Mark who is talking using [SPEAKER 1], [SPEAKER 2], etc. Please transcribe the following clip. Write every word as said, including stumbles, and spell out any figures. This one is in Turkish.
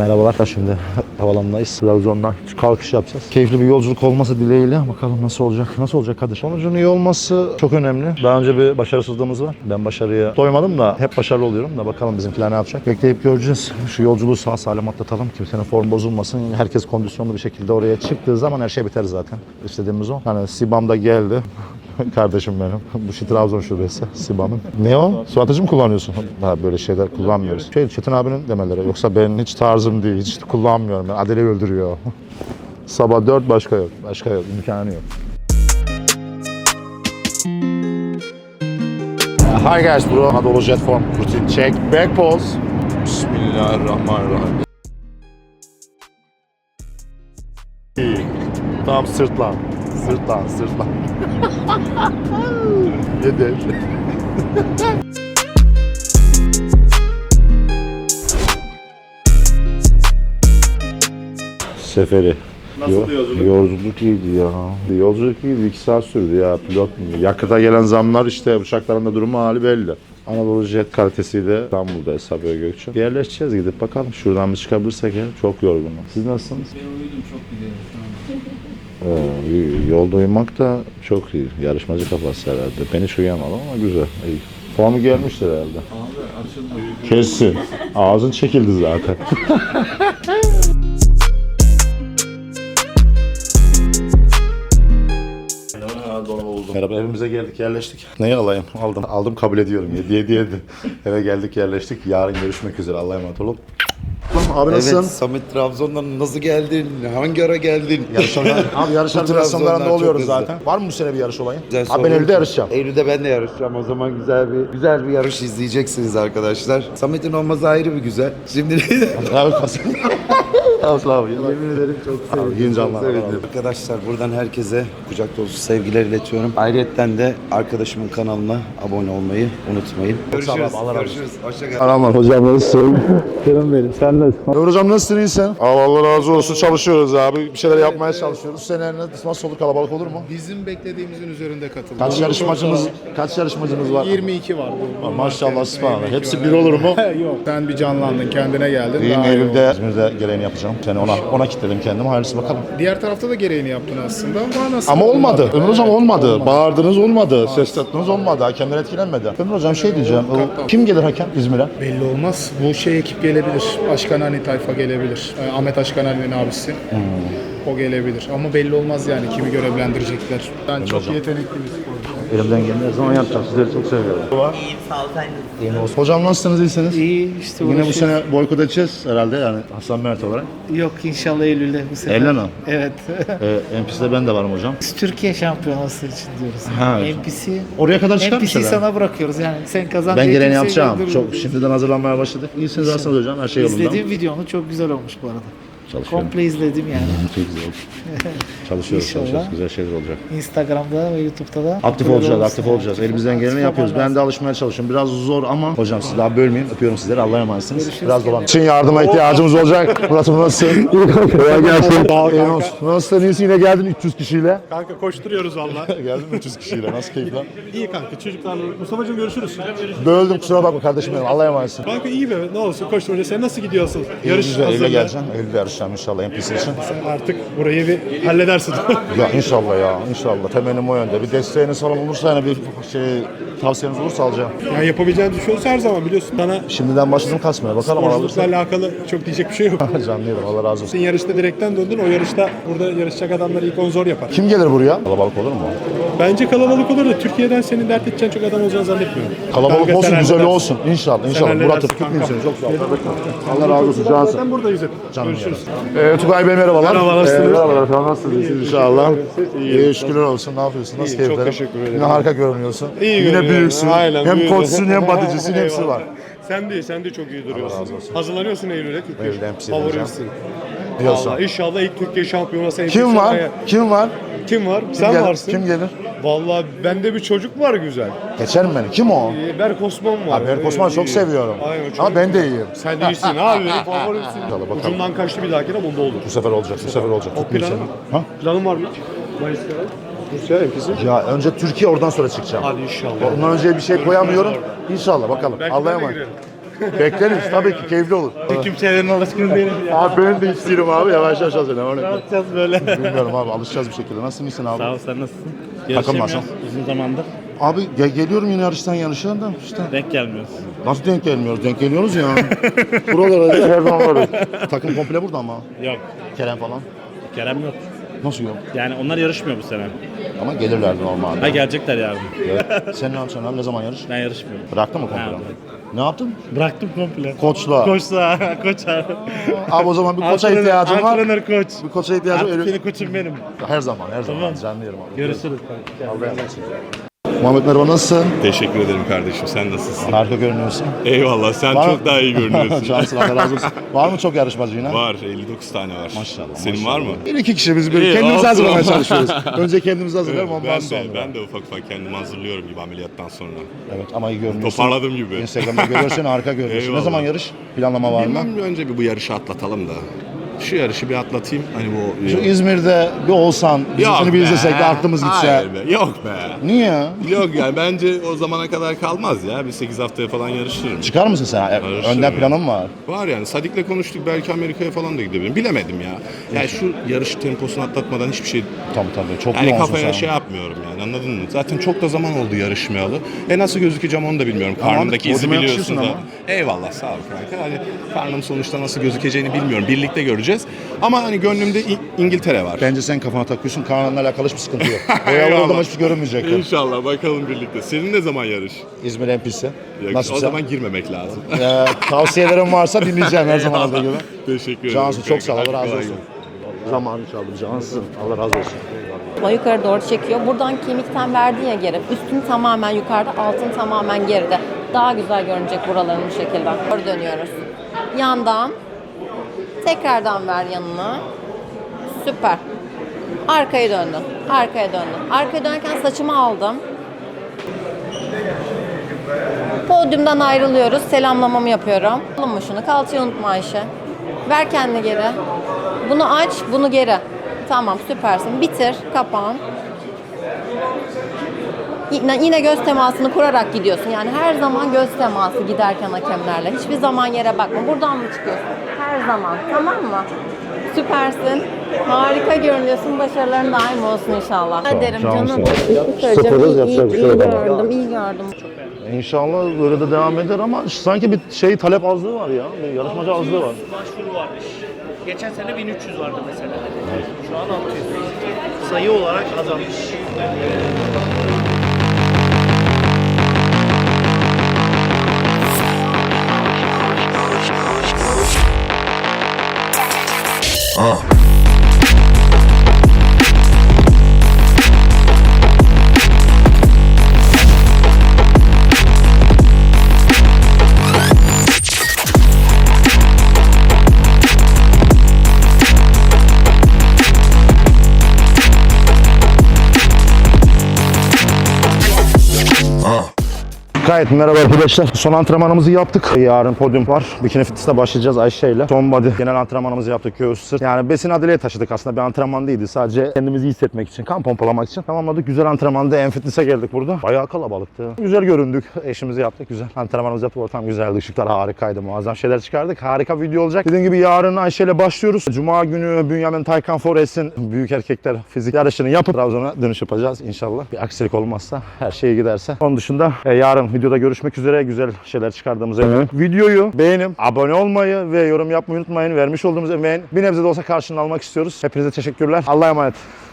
[SPEAKER 1] Merhabalar. Şimdi havalandayız. Trabzon'dan kalkış yapacağız. Keyifli bir yolculuk olması dileğiyle bakalım nasıl olacak. Nasıl olacak Kadir? Sonucun iyi olması çok önemli. Daha önce bir başarısızlığımız var. Ben başarıya doymadım da hep başarılı oluyorum da bakalım bizimkiler ne yapacak. Bekleyip göreceğiz. Şu yolculuğu sağ salim atlatalım. Kimsenin form bozulmasın. Herkes kondisyonlu bir şekilde oraya çıktığı zaman her şey biter zaten. İstediğimiz o. Hani Sibam da geldi. Kardeşim benim. Bu şey Trabzon şubesi Sibam'ın. Ne o? Su atıcı mı kullanıyorsun? Ha, böyle şeyler kullanmıyoruz. Şey Çetin abinin demeleri. Yoksa benim hiç tarzım değil. Hiç kullanmıyorum. Ben Adele öldürüyor. Sabah dört başka yok. Başka yok. İmkanı yok. Hi guys bro. Anadolu Jet Form routine check. Back pose. Bismillahirrahmanirrahim. Tam sırtlan. Sırtlan, sırtlan. Yeter. Seferi.
[SPEAKER 2] Nasıl yolculuk?
[SPEAKER 1] Yolculuk iyiydi ya. Yolculuk iyiydi. iki saat sürdü ya. Pilot mu? Yakıta gelen zamlar işte uçakların da durumu hali belli. Anadolu Jet kalitesiyle İstanbul'da Sabiha Gökçen. Yerleşeceğiz gidip bakalım. Şuradan bir çıkabilirsek ya. Çok yorgunum. Siz nasılsınız?
[SPEAKER 2] Ben uyudum, çok gidiyorum şu an.
[SPEAKER 1] Ee, yolda uyumak da çok iyi. Yarışmacı kafası herhalde. Ben hiç uyuyamadım ama güzel. İyi. Formu gelmiştir herhalde.
[SPEAKER 2] Abi açıldı.
[SPEAKER 1] Kesin. Ağzın çekildi zaten. Merhaba, evimize geldik, yerleştik. Neyi alayım? Aldım. Aldım, kabul ediyorum. Yedi yedi yedi. Eve geldik, yerleştik. Yarın görüşmek üzere. Allah'a emanet olun. Abi nasılsın?
[SPEAKER 3] Evet, Samet Trabzon'dan nasıl geldin? Hangi ara geldin?
[SPEAKER 1] Yarışlar, abi yarışlar
[SPEAKER 3] Bu
[SPEAKER 1] biraz sonlarında
[SPEAKER 3] Trabzonlar
[SPEAKER 1] oluyoruz
[SPEAKER 3] çok hızlı.
[SPEAKER 1] zaten. Var mı bu sene bir yarış olayı?
[SPEAKER 3] Güzel
[SPEAKER 1] Abi ben
[SPEAKER 3] soru.
[SPEAKER 1] Eylül'de yarışacağım.
[SPEAKER 3] Eylül'de ben de yarışacağım. O zaman güzel bir güzel bir yarış izleyeceksiniz arkadaşlar. Samet'in olması ayrı bir güzel. Şimdi
[SPEAKER 1] Abi kasım. Asla abi.
[SPEAKER 3] yemin ederim çok sevindim.
[SPEAKER 1] yiyince
[SPEAKER 3] çok
[SPEAKER 1] Allah'a
[SPEAKER 3] sevindim. Arkadaşlar buradan herkese kucak dolusu sevgiler iletiyorum. Ayrıyeten de arkadaşımın kanalına abone olmayı unutmayın. Görüşürüz.
[SPEAKER 1] abi, Allah razı olsun.
[SPEAKER 3] Görüşürüz. Hoşça kalın.
[SPEAKER 1] Aman hocam nasılsın? Canım benim. Sen nasılsın? Hocam nasılsın? İyisin? Abi Allah razı olsun. Çalışıyoruz abi. Bir şeyler yapmaya çalışıyoruz. Bu sene nasıl olur? Kalabalık olur mu?
[SPEAKER 4] Bizim beklediğimizin üzerinde katıldı.
[SPEAKER 1] Kaç yarışmacımız kaç yarışmacımız var?
[SPEAKER 4] yirmi iki var. Bu, bu
[SPEAKER 1] Maşallah
[SPEAKER 4] market.
[SPEAKER 1] sübhanallah.
[SPEAKER 4] yirmi iki
[SPEAKER 1] Hepsi
[SPEAKER 4] var.
[SPEAKER 1] bir olur mu?
[SPEAKER 4] Yok. Sen bir canlandın, kendine geldin.
[SPEAKER 1] İyiyim,
[SPEAKER 4] daha iyi
[SPEAKER 1] Eylül'de
[SPEAKER 4] oldu.
[SPEAKER 1] İzmir'de gereğini yapacağım. Seni ona ona kilitledim kendimi. Hayırlısı bakalım.
[SPEAKER 4] Diğer tarafta da gereğini yaptın aslında. Ama, nasıl
[SPEAKER 1] Ama olmadı. Ömür hocam
[SPEAKER 4] Evet,
[SPEAKER 1] olmadı. Bağırdınız olmadı. Ses attınız olmadı. Hakemler etkilenmedi. Ömür hocam şey diyeceğim. O, kim gelir hakem İzmir'e?
[SPEAKER 4] Belli olmaz. Bu şey ekip gelebilir. Aşkanani tayfa gelebilir. Ee, Ahmet Aşkanani'nin abisi.
[SPEAKER 1] Hmm.
[SPEAKER 4] O gelebilir. Ama belli olmaz yani kimi görevlendirecekler. Ben çok
[SPEAKER 1] hocam.
[SPEAKER 4] yetenekli bir sporcuyum.
[SPEAKER 1] Elimden geleni her zaman yapacağım. Sizleri çok seviyorum.
[SPEAKER 5] İyiyim, sağ ol, sen nasılsın?
[SPEAKER 1] İyi olsun. Hocam nasılsınız? İyisiniz?
[SPEAKER 5] İyi, işte
[SPEAKER 1] Yine bu
[SPEAKER 5] uğraşıyoruz.
[SPEAKER 1] sene boykot edeceğiz herhalde yani Hasan Mert olarak.
[SPEAKER 5] Yok, inşallah Eylül'de bu sefer.
[SPEAKER 1] Eylül'de mi?
[SPEAKER 5] Evet.
[SPEAKER 1] Ee, N P C'de ben de varım hocam.
[SPEAKER 5] Biz Türkiye şampiyonası için diyoruz.
[SPEAKER 1] Ha.
[SPEAKER 5] N P C,
[SPEAKER 1] Oraya kadar çıkar
[SPEAKER 5] N P C'yi
[SPEAKER 1] mısın?
[SPEAKER 5] sana bırakıyoruz yani. Sen kazan
[SPEAKER 1] Ben
[SPEAKER 5] diye
[SPEAKER 1] gereğini
[SPEAKER 5] kimseyi
[SPEAKER 1] yapacağım.
[SPEAKER 5] göndermiyoruz.
[SPEAKER 1] Çok şimdiden hazırlanmaya başladık. İyisiniz aslında hocam. Her şey yolunda.
[SPEAKER 5] İzlediğim videonu çok güzel olmuş bu arada.
[SPEAKER 1] Çalışıyorum.
[SPEAKER 5] Komple izledim yani.
[SPEAKER 1] Çok güzel oldu. Çalışıyoruz,
[SPEAKER 5] İnşallah.
[SPEAKER 1] çalışıyoruz. Güzel şeyler olacak.
[SPEAKER 5] Instagram'da ve YouTube'da da.
[SPEAKER 1] Aktif
[SPEAKER 5] böyle
[SPEAKER 1] olacağız,
[SPEAKER 5] olursa
[SPEAKER 1] aktif
[SPEAKER 5] yani.
[SPEAKER 1] olacağız. Elimizden geleni
[SPEAKER 5] Aktif
[SPEAKER 1] yapıyoruz.
[SPEAKER 5] olman
[SPEAKER 1] Ben de
[SPEAKER 5] lazım.
[SPEAKER 1] alışmaya çalışıyorum. Biraz zor ama hocam sizi daha bölmeyeyim. Öpüyorum sizleri. Allah'a emanetsiniz.
[SPEAKER 5] Görüşürüz.
[SPEAKER 1] Biraz dolan. Için yardıma ihtiyacımız olacak. Murat'ım nasılsın? Kolay gelsin. İyi olsun. Nasılsın? İyisin? Yine geldin üç yüz kişiyle.
[SPEAKER 6] Kanka koşturuyoruz valla.
[SPEAKER 1] Geldin mi üç yüz kişiyle? Nasıl keyif lan?
[SPEAKER 6] İyi kanka çocuklarla. Mustafa'cığım görüşürüz.
[SPEAKER 1] Böldüm kusura bakma kardeşim benim. Allah'a emanetsin.
[SPEAKER 6] Kanka iyi be, ne olsun koşturunca. Sen nasıl gidiyorsun? Yarış
[SPEAKER 1] Güzel. Eylül'e
[SPEAKER 6] hazırlığı.
[SPEAKER 1] geleceğim. Eylül'de yarışacağım inşallah N P C için.
[SPEAKER 6] Sen artık burayı bir halledersin.
[SPEAKER 1] Ya inşallah ya. İnşallah. Temennim o yönde. Bir desteğiniz falan olursa yani bir şey tavsiyeniz olursa alacağım.
[SPEAKER 6] yani yapabileceğini düşünüyorsun her zaman biliyorsun. Sana
[SPEAKER 1] Şimdiden başladım kasmaya. Bakalım
[SPEAKER 6] sporculukla
[SPEAKER 1] alırsa.
[SPEAKER 6] alakalı çok diyecek bir şey yok.
[SPEAKER 1] Canlıydım. Allah razı olsun.
[SPEAKER 6] Sen yarışta direkten döndün. O yarışta burada yarışacak adamlar ilk on zor yapar.
[SPEAKER 1] Kim gelir buraya? Kalabalık olur mu?
[SPEAKER 6] Bence kalabalık olur da Türkiye'den senin dert edeceğin çok adam olacağını zannetmiyorum.
[SPEAKER 1] Kalabalık
[SPEAKER 6] Kanka,
[SPEAKER 1] olsun,
[SPEAKER 6] sen
[SPEAKER 1] güzel
[SPEAKER 6] halledersin.
[SPEAKER 1] olsun. İnşallah, inşallah.
[SPEAKER 6] halledersin
[SPEAKER 1] Murat'ım
[SPEAKER 6] kanka.
[SPEAKER 1] tutmayayım seni. Çok sağ ol. Allah razı olsun. Cansın.
[SPEAKER 6] Zaten buradayız hep.
[SPEAKER 1] Canım
[SPEAKER 6] Görüşürüz.
[SPEAKER 1] Ee, Tugay Bey merhabalar.
[SPEAKER 6] Merhaba, nasılsınız?
[SPEAKER 1] Ee, merhabalar efendim. Nasılsınız? İyisiniz inşallah. İyi, şükürler olsun. Ne yapıyorsun? Nasıl
[SPEAKER 6] İyi,
[SPEAKER 1] keyiflerin?
[SPEAKER 6] çok teşekkür ederim.
[SPEAKER 1] Yine harika görünüyorsun.
[SPEAKER 6] İyi
[SPEAKER 1] Yine
[SPEAKER 6] görünüyorum.
[SPEAKER 1] büyüksün.
[SPEAKER 6] Aynen,
[SPEAKER 1] hem
[SPEAKER 6] büyüdüm.
[SPEAKER 1] koçsun hem bodycisin. Hepsi
[SPEAKER 6] Eyvallah.
[SPEAKER 1] var.
[SPEAKER 6] Sen de sen de çok iyi duruyorsun.
[SPEAKER 1] razı olsun.
[SPEAKER 6] Hazırlanıyorsun Eylül'e Türkiye.
[SPEAKER 1] Eylül'de N P C'de
[SPEAKER 6] Favorisin.
[SPEAKER 1] Diyorsun.
[SPEAKER 6] Vallahi inşallah ilk Türkiye şampiyonası.
[SPEAKER 1] Kim var? Kim var?
[SPEAKER 6] Kim var?
[SPEAKER 1] Kim
[SPEAKER 6] Sen
[SPEAKER 1] gelir?
[SPEAKER 6] varsın.
[SPEAKER 1] Kim gelir?
[SPEAKER 6] Vallahi bende bir çocuk var güzel.
[SPEAKER 1] Geçer mi beni? Kim o?
[SPEAKER 6] Ee, Berk Osman var.
[SPEAKER 1] Abi Berk Osman'ı
[SPEAKER 6] Ee,
[SPEAKER 1] çok
[SPEAKER 6] iyi.
[SPEAKER 1] seviyorum.
[SPEAKER 6] Aynen, çok-
[SPEAKER 1] Ama ben de iyiyim.
[SPEAKER 6] Sen de iyisin abi. Benim favorimsin.
[SPEAKER 1] İnşallah bakalım.
[SPEAKER 6] Ucundan kaçtı bir dahakine bunda olur.
[SPEAKER 1] Bu sefer olacak, bu sefer olacak.
[SPEAKER 6] O
[SPEAKER 1] Tutmayayım
[SPEAKER 6] planı
[SPEAKER 1] seni.
[SPEAKER 6] mı?
[SPEAKER 1] Ha?
[SPEAKER 6] Planın var mı? Mayıs'ta. Rusya herkesi.
[SPEAKER 1] Ya önce Türkiye oradan sonra çıkacağım.
[SPEAKER 6] Hadi inşallah.
[SPEAKER 1] Ondan önce bir şey koyamıyorum. İnşallah bakalım.
[SPEAKER 6] Belki
[SPEAKER 1] Allah'a
[SPEAKER 6] ben de
[SPEAKER 1] emanet.
[SPEAKER 6] girerim.
[SPEAKER 1] Bekleriz tabii ki, keyifli olur.
[SPEAKER 6] Kimselerin alışkın değilim ya.
[SPEAKER 1] Abi ben de istiyorum abi, yavaş yavaş hazırlan.
[SPEAKER 6] Ne yapacağız böyle?
[SPEAKER 1] Bilmiyorum abi, alışacağız bir şekilde. Nasılsın, iyisin abi?
[SPEAKER 6] Sağ ol, sen nasılsın?
[SPEAKER 1] Takım
[SPEAKER 6] Görüşemiyoruz
[SPEAKER 1] nasıl?
[SPEAKER 6] uzun zamandır.
[SPEAKER 1] Abi ge- geliyorum yine yarıştan yarışa da işte.
[SPEAKER 6] Denk gelmiyoruz.
[SPEAKER 1] Nasıl denk gelmiyoruz? Denk geliyoruz ya. Buralara her zaman varız. Takım komple burada ama.
[SPEAKER 6] Yok.
[SPEAKER 1] Kerem falan.
[SPEAKER 6] Kerem yok.
[SPEAKER 1] Nasıl yok?
[SPEAKER 6] Yani onlar yarışmıyor bu sene.
[SPEAKER 1] Ama gelirlerdi normalde.
[SPEAKER 6] Ha gelecekler yarın.
[SPEAKER 1] Evet. Sen ne yapacaksın abi? Ne zaman yarış?
[SPEAKER 6] Ben yarışmıyorum.
[SPEAKER 1] Bıraktın mı komple?
[SPEAKER 6] Ha,
[SPEAKER 1] Ne yaptın?
[SPEAKER 6] Bıraktım komple.
[SPEAKER 1] Koçla.
[SPEAKER 6] Koçsa, koç abi.
[SPEAKER 1] Abi o zaman bir koça
[SPEAKER 6] Antrenör-
[SPEAKER 1] ihtiyacım var.
[SPEAKER 6] Antrenör koç.
[SPEAKER 1] Bir koça ihtiyacım var.
[SPEAKER 6] Artık
[SPEAKER 1] Öyle-
[SPEAKER 6] senin koçum benim.
[SPEAKER 1] Her zaman, her zaman.
[SPEAKER 6] Tamam.
[SPEAKER 1] Canlı yerim abi.
[SPEAKER 6] Görüşürüz.
[SPEAKER 1] Allah'a emanet olun. Muhammed merhaba, nasılsın?
[SPEAKER 7] Teşekkür ederim kardeşim. Sen nasılsın?
[SPEAKER 1] Harika görünüyorsun.
[SPEAKER 7] Eyvallah. Sen
[SPEAKER 1] Var mı?
[SPEAKER 7] çok daha iyi görünüyorsun.
[SPEAKER 1] Cansın, Allah razı olsun. Var mı çok yarışmacı yine?
[SPEAKER 7] Var. elli dokuz tane var.
[SPEAKER 1] Maşallah.
[SPEAKER 7] Senin
[SPEAKER 1] maşallah.
[SPEAKER 7] var mı?
[SPEAKER 1] Bir iki kişi biz böyle
[SPEAKER 7] İyi,
[SPEAKER 1] kendimizi
[SPEAKER 7] olsun.
[SPEAKER 1] hazırlamaya çalışıyoruz. Önce kendimizi hazırlayalım,
[SPEAKER 7] Evet,
[SPEAKER 1] ondan
[SPEAKER 7] ben
[SPEAKER 1] sonra.
[SPEAKER 7] de, ben de ufak ufak kendimi hazırlıyorum gibi ameliyattan sonra.
[SPEAKER 1] Evet ama iyi görünüyorsun.
[SPEAKER 7] Toparladım gibi.
[SPEAKER 1] Instagram'da görüyorsun, harika görünüyorsun. Ne
[SPEAKER 7] Eyvallah.
[SPEAKER 1] zaman yarış? Planlama var mı?
[SPEAKER 7] Bilmem, önce bir bu yarışı atlatalım da. Şu yarışı bir atlatayım. Hani bu...
[SPEAKER 1] Şu İzmir'de bir olsan, bizim
[SPEAKER 7] Yok
[SPEAKER 1] seni bir
[SPEAKER 7] be.
[SPEAKER 1] izlesek de aklımız gitse.
[SPEAKER 7] Hayır be. Yok be.
[SPEAKER 1] Niye?
[SPEAKER 7] Yok yani bence o zamana kadar kalmaz ya. Bir sekiz haftaya falan yarışırım.
[SPEAKER 1] Çıkar mısın sen?
[SPEAKER 7] Yarışırım
[SPEAKER 1] Önden
[SPEAKER 7] ya.
[SPEAKER 1] planın var.
[SPEAKER 7] Var yani. Sadik'le konuştuk. Belki Amerika'ya falan da gidebilirim. Bilemedim ya. Yani şu yarış temposunu atlatmadan hiçbir şey...
[SPEAKER 1] Tabii tabii. Çok
[SPEAKER 7] Yani
[SPEAKER 1] yoğunsun
[SPEAKER 7] kafaya
[SPEAKER 1] sen.
[SPEAKER 7] şey yapmıyorum yani, anladın mı? Zaten çok da zaman oldu yarışmayalı. E nasıl gözükeceğim onu da bilmiyorum.
[SPEAKER 1] Ama
[SPEAKER 7] Karnımdaki izi
[SPEAKER 1] podyuma
[SPEAKER 7] biliyorsun
[SPEAKER 1] yakışıyorsun
[SPEAKER 7] da. Eyvallah, sağ ol kanka. Hani karnım sonuçta nasıl gözükeceğini bilmiyorum. Birlikte göreceğiz. Ama hani gönlümde İ- İngiltere var.
[SPEAKER 1] Bence sen kafana takıyorsun. Karnınla alakalı hiçbir sıkıntı yok. Boyalı
[SPEAKER 7] Eyvallah.
[SPEAKER 1] olduğum hiçbir görünmeyecek.
[SPEAKER 7] İnşallah bakalım birlikte. Senin ne zaman yarış?
[SPEAKER 1] İzmir M P'si.
[SPEAKER 7] Yok,
[SPEAKER 1] Nasıl
[SPEAKER 7] o zaman girmemek lazım.
[SPEAKER 1] Ee, tavsiyelerim varsa dinleyeceğim her zaman olduğu gibi.
[SPEAKER 7] Teşekkür ederim.
[SPEAKER 1] Cansu çok sağ ol.
[SPEAKER 7] kanka.
[SPEAKER 1] Allah razı
[SPEAKER 7] Kolay
[SPEAKER 1] olsun.
[SPEAKER 7] gelsin.
[SPEAKER 1] Zamanı çaldım Cansın. Allah razı olsun.
[SPEAKER 8] Yukarı doğru çekiyor. Buradan kemikten verdiği ya geri. Üstün tamamen yukarıda, altın tamamen geride. Daha güzel görünecek buraların bu şekilde. Doğru dönüyoruz. Yandan. Tekrardan ver yanına. Süper. Arkaya döndün. Arkaya döndün. Arkaya dönerken saçımı aldım. Podyumdan ayrılıyoruz. Selamlamamı yapıyorum. Alın mı şunu? Kalçayı unutma Ayşe. Ver kendini geri. Bunu aç, bunu geri. Tamam, süpersin. Bitir, kapan. Yine, yine göz temasını kurarak gidiyorsun. Yani her zaman göz teması giderken hakemlerle. Hiçbir zaman yere bakma. Buradan mı çıkıyorsun? Her zaman. Tamam mı? Süpersin. Harika görünüyorsun. Başarıların daim olsun inşallah. Ederim
[SPEAKER 1] Cansın.
[SPEAKER 8] canım.
[SPEAKER 1] Sıfırız,
[SPEAKER 8] İyi,
[SPEAKER 1] yapacak bir
[SPEAKER 8] iyi,
[SPEAKER 1] şey
[SPEAKER 8] iyi
[SPEAKER 1] yok.
[SPEAKER 8] gördüm, iyi gördüm.
[SPEAKER 1] İnşallah böyle de devam eder ama sanki bir şey talep azlığı var ya. Bir yarışmacı azlığı var.
[SPEAKER 9] Başvuru varmış. Geçen sene bin üç yüz vardı mesela. Şu an altı yüz. Sayı olarak azalmış.
[SPEAKER 1] Gayet merhaba arkadaşlar. Son antrenmanımızı yaptık. Yarın podyum var. Bikini fitness'te başlayacağız Ayşe ile. Son body genel antrenmanımızı yaptık. Göğüs, sırt. Yani besin adileye taşıdık aslında. Bir antrenman değildi. Sadece kendimizi iyi hissetmek için, kan pompalamak için tamamladık. Güzel antrenmanda en fitness'e geldik burada. Bayağı kalabalıktı. Güzel göründük. Eşimizi yaptık. Güzel. Antrenmanımızı yaptık. Ortam güzeldi. Işıklar harikaydı. Muazzam şeyler çıkardık. Harika bir video olacak. Dediğim gibi yarın Ayşe ile başlıyoruz. Cuma günü Bünyamin Taycan Forest'in büyük erkekler fizik yarışını yapıp Trabzon'a dönüş yapacağız inşallah. Bir aksilik olmazsa, her şey giderse. Onun dışında e, yarın videoda görüşmek üzere. Güzel şeyler çıkardığımıza eminim. Videoyu beğenip abone olmayı ve yorum yapmayı unutmayın. Vermiş olduğumuz emeğin bir nebze de olsa karşılığını almak istiyoruz. Hepinize teşekkürler. Allah'a emanet.